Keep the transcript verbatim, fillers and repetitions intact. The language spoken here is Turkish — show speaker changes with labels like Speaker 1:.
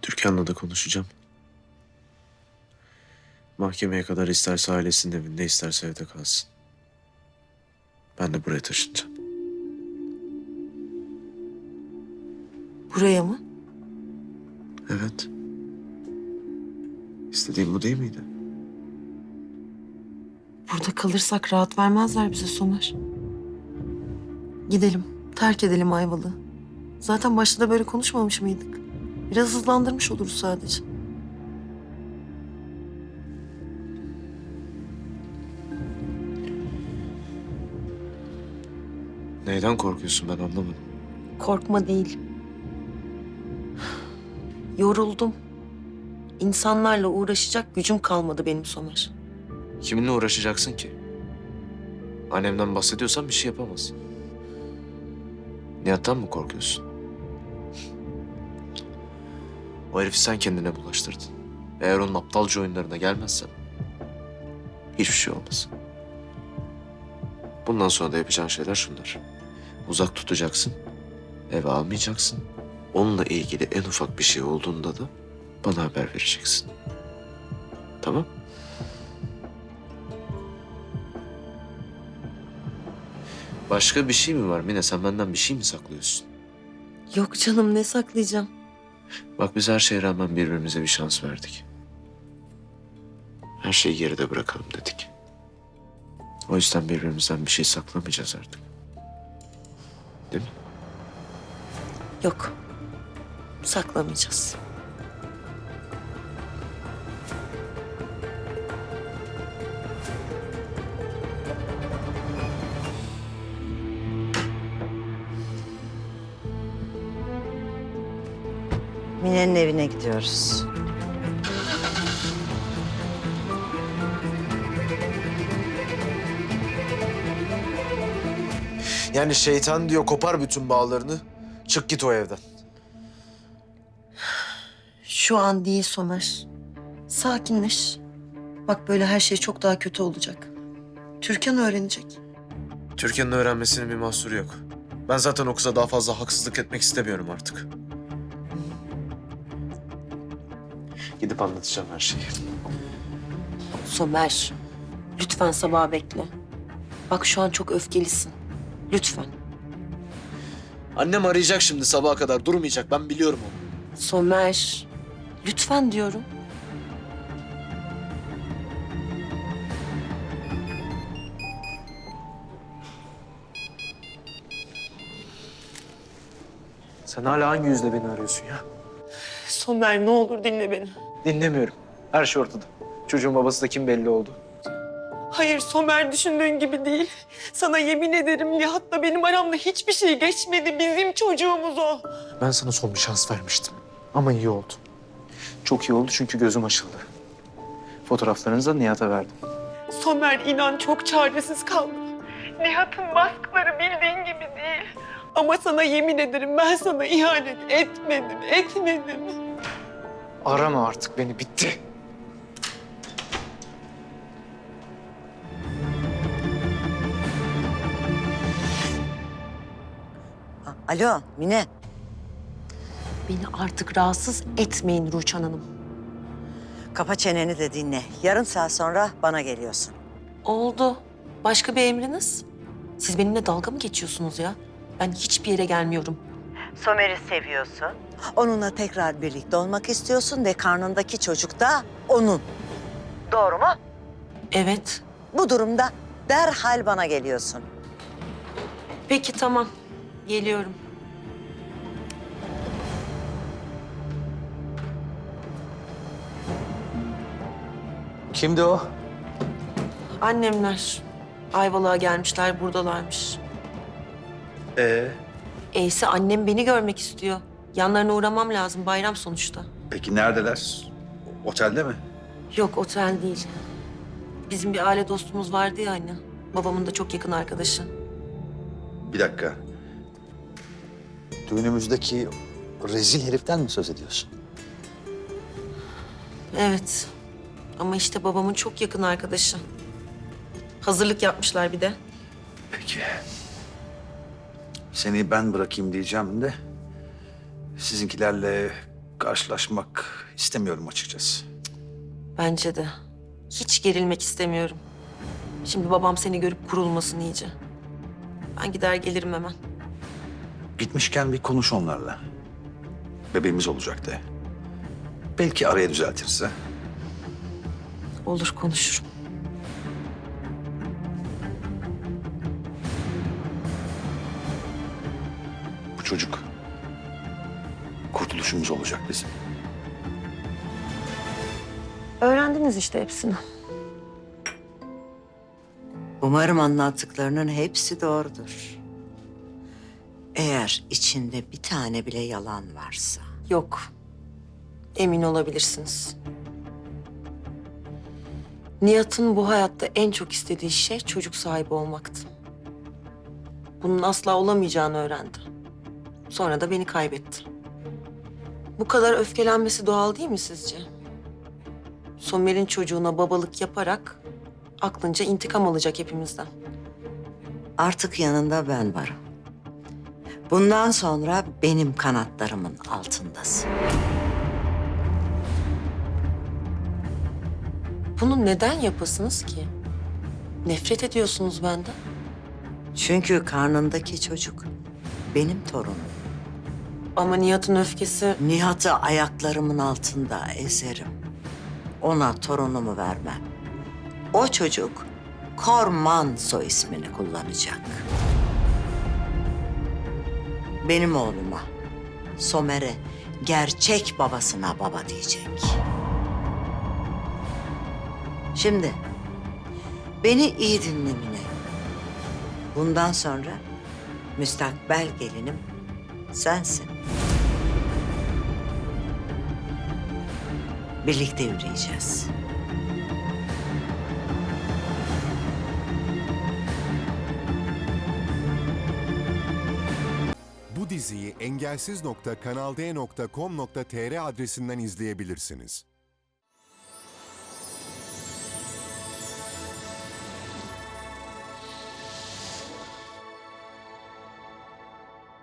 Speaker 1: Türkan'la da konuşacağım. Mahkemeye kadar isterse ailesinin evinde, isterse evde kalsın. Ben de buraya taşınacağım.
Speaker 2: Buraya mı?
Speaker 1: Evet. İstediğim bu değil miydi?
Speaker 2: Burada kalırsak rahat vermezler bize Somer. Gidelim, terk edelim Ayvalık'ı. Zaten başta da böyle konuşmamış mıydık? Biraz hızlandırmış oluruz sadece.
Speaker 1: Neyden korkuyorsun ben anlamadım.
Speaker 2: Korkma değil. Yoruldum. İnsanlarla uğraşacak gücüm kalmadı benim Somer.
Speaker 1: Kiminle uğraşacaksın ki? Annemden bahsediyorsan bir şey yapamaz. Nihat'tan mı korkuyorsun? O herifi sen kendine bulaştırdın. Eğer onun aptalca oyunlarına gelmezsen hiçbir şey olmaz. Bundan sonra da yapacağın şeyler şunlar. Uzak tutacaksın, eve almayacaksın. Onunla ilgili en ufak bir şey olduğunda da bana haber vereceksin. Tamam? Başka bir şey mi var Mine? Sen benden bir şey mi saklıyorsun?
Speaker 2: Yok canım, ne saklayacağım?
Speaker 1: Bak biz her şeye rağmen birbirimize bir şans verdik. Her şeyi geride bırakalım dedik. O yüzden birbirimizden bir şey saklamayacağız artık. Değil mi?
Speaker 2: Yok. Saklamayacağız.
Speaker 3: Mine'nin evine gidiyoruz.
Speaker 1: Yani şeytan diyor kopar bütün bağlarını. Çık git o evden.
Speaker 2: Şu an değil Somer. Sakinleş. Bak böyle her şey çok daha kötü olacak. Türkan öğrenecek.
Speaker 1: Türkan'ın öğrenmesinin bir mahsuru yok. Ben zaten o kıza daha fazla haksızlık etmek istemiyorum artık. Gidip anlatacağım her şeyi.
Speaker 2: Somer, lütfen sabah bekle. Bak şu an çok öfkelisin. Lütfen.
Speaker 1: Annem arayacak şimdi sabaha kadar. Durmayacak. Ben biliyorum onu.
Speaker 2: Somer, lütfen diyorum.
Speaker 1: Sen hala hangi yüzle beni arıyorsun ya?
Speaker 2: Somer ne olur dinle beni.
Speaker 4: Dinlemiyorum. Her şey ortada. Çocuğun babası da kim belli oldu.
Speaker 2: Hayır Somer, düşündüğün gibi değil. Sana yemin ederim Nihat'la benim aramda hiçbir şey geçmedi. Bizim çocuğumuz o.
Speaker 4: Ben sana son bir şans vermiştim. Ama iyi oldu. Çok iyi oldu çünkü gözüm açıldı. Fotoğraflarınızı da Nihat'a verdim.
Speaker 2: Somer inan çok çaresiz kaldım. Nihat'ın baskıları bildiğin gibi değil. Ama sana yemin ederim ben sana ihanet etmedim, etmedim.
Speaker 4: Arama artık beni, bitti.
Speaker 3: Ha, alo Mine.
Speaker 2: Beni artık rahatsız etmeyin Rüçhan Hanım.
Speaker 3: Kapa çeneni de dinle. Yarım saat sonra bana geliyorsun.
Speaker 2: Oldu. Başka bir emriniz? Siz benimle dalga mı geçiyorsunuz ya? Ben hiçbir yere gelmiyorum.
Speaker 3: Somer'i seviyorsun. Onunla tekrar birlikte olmak istiyorsun ve karnındaki çocuk da onun. Doğru mu?
Speaker 2: Evet.
Speaker 3: Bu durumda derhal bana geliyorsun.
Speaker 2: Peki tamam. Geliyorum.
Speaker 4: Kimdi o?
Speaker 2: Annemler Ayvalık'a gelmişler, buradalarmış.
Speaker 4: Ee?
Speaker 2: Eyse annem beni görmek istiyor. Yanlarına uğramam lazım, bayram sonuçta.
Speaker 5: Peki neredeler? Otelde mi?
Speaker 2: Yok, otel değil. Bizim bir aile dostumuz vardı ya anne. Babamın da çok yakın arkadaşı.
Speaker 5: Bir dakika. Düğünümüzdeki rezil heriften mi söz ediyorsun?
Speaker 2: Evet. Ama işte babamın çok yakın arkadaşı. Hazırlık yapmışlar bir de.
Speaker 5: Peki. Seni ben bırakayım diyeceğim de... sizinkilerle karşılaşmak istemiyorum açıkçası.
Speaker 2: Bence de. Hiç gerilmek istemiyorum. Şimdi babam seni görüp kurulmasın iyice. Ben gider gelirim hemen.
Speaker 5: Gitmişken bir konuş onlarla. Bebeğimiz olacak de. Belki araya düzeltirse.
Speaker 2: Olur, konuşurum.
Speaker 5: Bu çocuk kurtuluşumuz olacak bizim.
Speaker 2: Öğrendiniz işte hepsini.
Speaker 3: Umarım anlattıklarının hepsi doğrudur. Eğer içinde bir tane bile yalan varsa.
Speaker 2: Yok. Emin olabilirsiniz. Nihat'ın bu hayatta en çok istediği şey çocuk sahibi olmaktı. Bunun asla olamayacağını öğrendi. Sonra da beni kaybetti. Bu kadar öfkelenmesi doğal değil mi sizce? Somer'in çocuğuna babalık yaparak aklınca intikam alacak hepimizden.
Speaker 3: Artık yanında ben varım. Bundan sonra benim kanatlarımın altındasın.
Speaker 2: Bunu neden yapasınız ki? Nefret ediyorsunuz benden.
Speaker 3: Çünkü karnındaki çocuk benim torunum.
Speaker 2: Ama Nihat'ın öfkesi...
Speaker 3: Nihat'ı ayaklarımın altında ezerim. Ona torunumu vermem. O çocuk Korman soy ismini kullanacak. Benim oğluma, Somer'e gerçek babasına baba diyecek. Şimdi beni iyi dinle Mine. Bundan sonra müstakbel gelinim sensin. Birlikte yürüyeceğiz.
Speaker 6: Bu diziyi engelsiz nokta kanal d nokta com nokta tr adresinden izleyebilirsiniz.